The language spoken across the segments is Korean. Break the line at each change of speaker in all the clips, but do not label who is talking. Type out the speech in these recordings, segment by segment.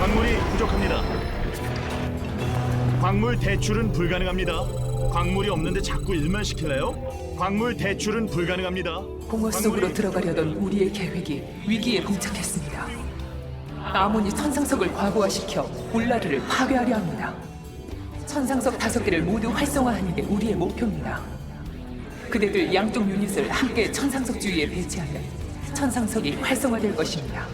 광물이 부족합니다. 광물 대출은 불가능합니다. 광물이 없는데 자꾸 일만 시킬래요? 광물 대출은 불가능합니다.
공허 속으로 들어가려던 우리의 계획이 위기에 봉착했습니다. 아몬이 천상석을 과부하시켜 울라르를 파괴하려 합니다. 천상석 5개를 모두 활성화하는 게 우리의 목표입니다. 그대들 양쪽 유닛을 함께 천상석 주위에 배치하면 천상석이 활성화될 것입니다.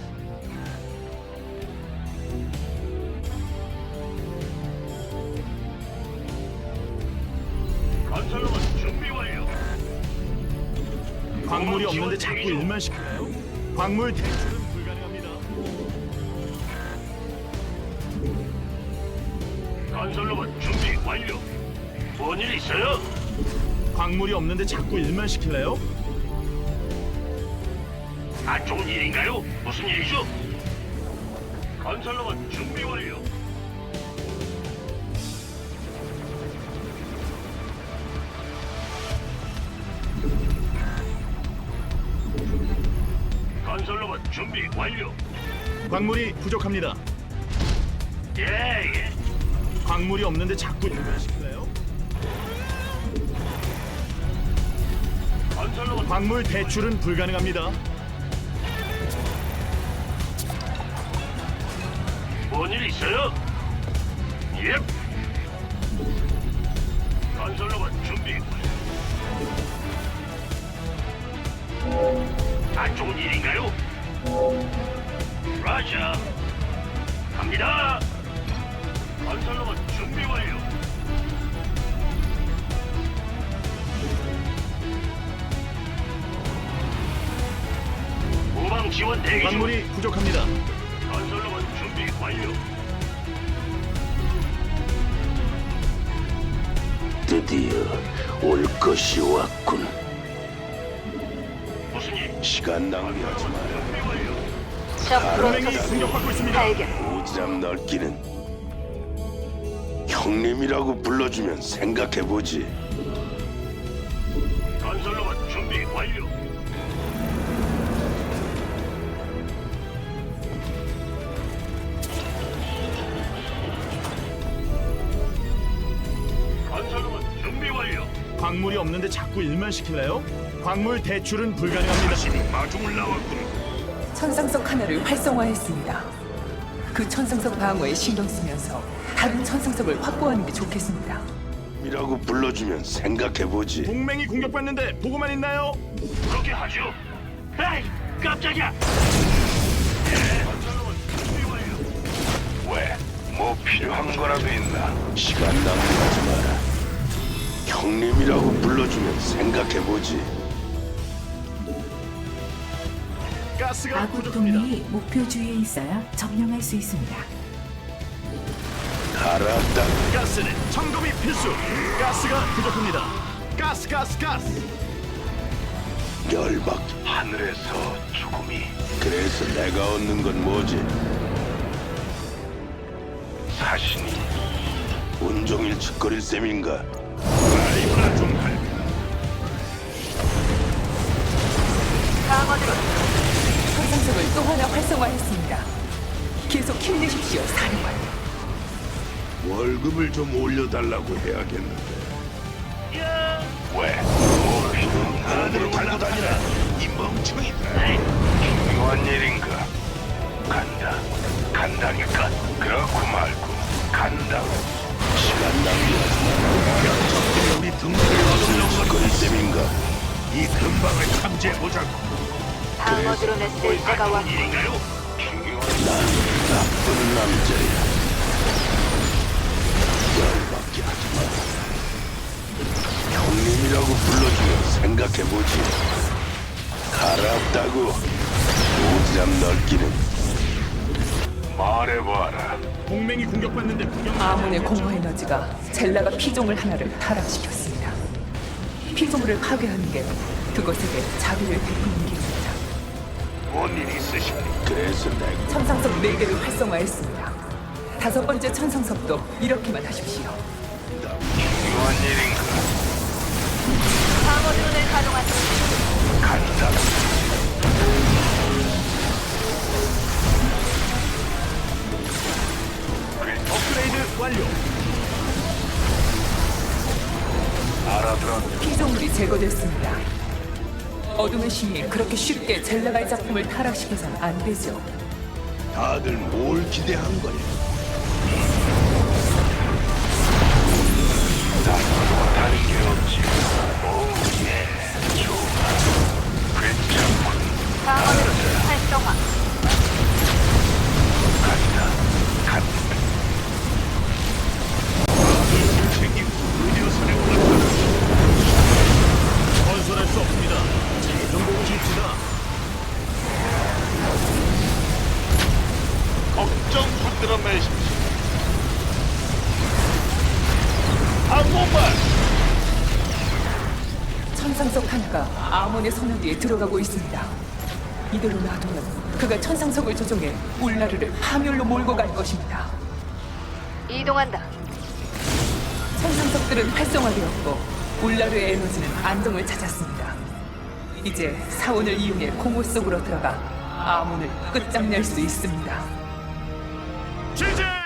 건설로봇 준비 완료.
광물이 없는데 자꾸 일만 시킬래요? 광물 대출은 불가능합니다.
건설로봇 준비 완료. 뭔 일 있어요?
광물이 없는데 자꾸 일만 시킬래요?
안 좋은 일인가요? 무슨 일이죠? 건설로봇 준비 완료. 건설로봇 준비 완료.
광물이 부족합니다.
예.
광물이 없는데 자꾸 일만 시킬래요?
건설로봇
광물 대출은 불가능합니다.
뭔일 있어요? 예. 건설로봇 준비 완료. 안 좋은 일인가요? 라자. 갑니다. 건설로봇 준비 완료. 후방 지원 대기 중.
광물이 부족합니다.
건설로봇 준비 완료.
드디어 올 것이 왔군.
무슨 일?
시간 낭비하지 마라.
준비 완료.
적
동맹이
프로토스
공격받고 있습니다.
발견.
오지랖 넓기는 형님이라고 불러주면 생각해보지.
건설로봇 준비 완료. 건설로봇 준비 완료.
광물이 없는데 자꾸 일만 시킬래요? 광물 대출은 불가능합니다.
신이 마중을 나왔군.
천상석 하나를 활성화했습니다. 그 천상석 방어에 신경 쓰면서 다른 천상석을 확보하는 게 좋겠습니다.
이라고 불러주면 생각해보지.
동맹이 공격받는데 보고만 있나요?
그렇게 하죠. 에이, 깜짝이야. 예. 건설로봇 준비 완료.
왜? 뭐 필요한 거라도 있나? 시간 낭비하지 마라. 형님이라고 불러주면 생각해보지.
가스가
아군
부족합니다.
동맹이 목표 주위에 있어야 점령할 수 있습니다.
알았다.
가스는 점검이 필수. 가스가 부족합니다. 가스.
열받.
하늘에서 죽음이
그래서 내가 얻는 건 뭐지?
사신이
온종일 짓거릴 셈인가?
라이브나 좀 할.
방어드론
천상석을 또 하나 활성화했습니다. 계속 힘내십시오, 사령관.
월급을 좀 올려달라고 해야겠는데.
왜?
나를 달고 다니라. 이 멍청이들.
중요한 일인가? 간다니까. 그렇고 말고 간다.
시간 낭비하지 마라.
우리 등대를
짓거릴 셈인가?
이 근방을 탐지해보자고.
방어드론의 쓸데가 왔고
일인가요? 중요한
나쁜 남자야. 열받게 하지 마라. 형님이라고 불러주면 생각해보지. 알았다고. 오지랖 넓기는
말해봐라.
동맹이 공격받는데 구경.
아몬의 공허 에너지가 젤라가 피조물 하나를 타락시켰습니다. 피조물을 파괴하는 게 그것에게 자비를 베푸는 길입니다.
뭔 일이 있으십니까?
그래서 내가
천상석 4개를 활성화했습니다. 5번째 천상석도 이렇게만 하십시오.
중요한 일인가?
방어드론을 가동하십시오.
간다.
완료.
알아들었.
피조물이 제거됐습니다. 어둠의 신이 그렇게 쉽게 젤라갈 작품을 타락시켜선 안 되죠.
다들 뭘 기대한 거야?
다른 게 없지. 오예, 좋아. 괜찮군.
방어드론 활성화.
간다. 생긴 의료선에 올랐다.
건설할 수 없습니다. 좀 보고 싶시다.
걱정 붙들어 매십시오. 한번만.
천상석 하나가 아몬의 손 위에 들어가고 있습니다. 이대로 놔두면 그가 천상석을 조종해 울라르를 파멸로 몰고 갈 것입니다.
이동한다.
천상석들은 활성화되었고 울라르의 에너지는 안정을 찾았습니다. 이제 사원을 이용해 공허 속으로 들어가 아몬을 끝장낼 수 있습니다.
지지!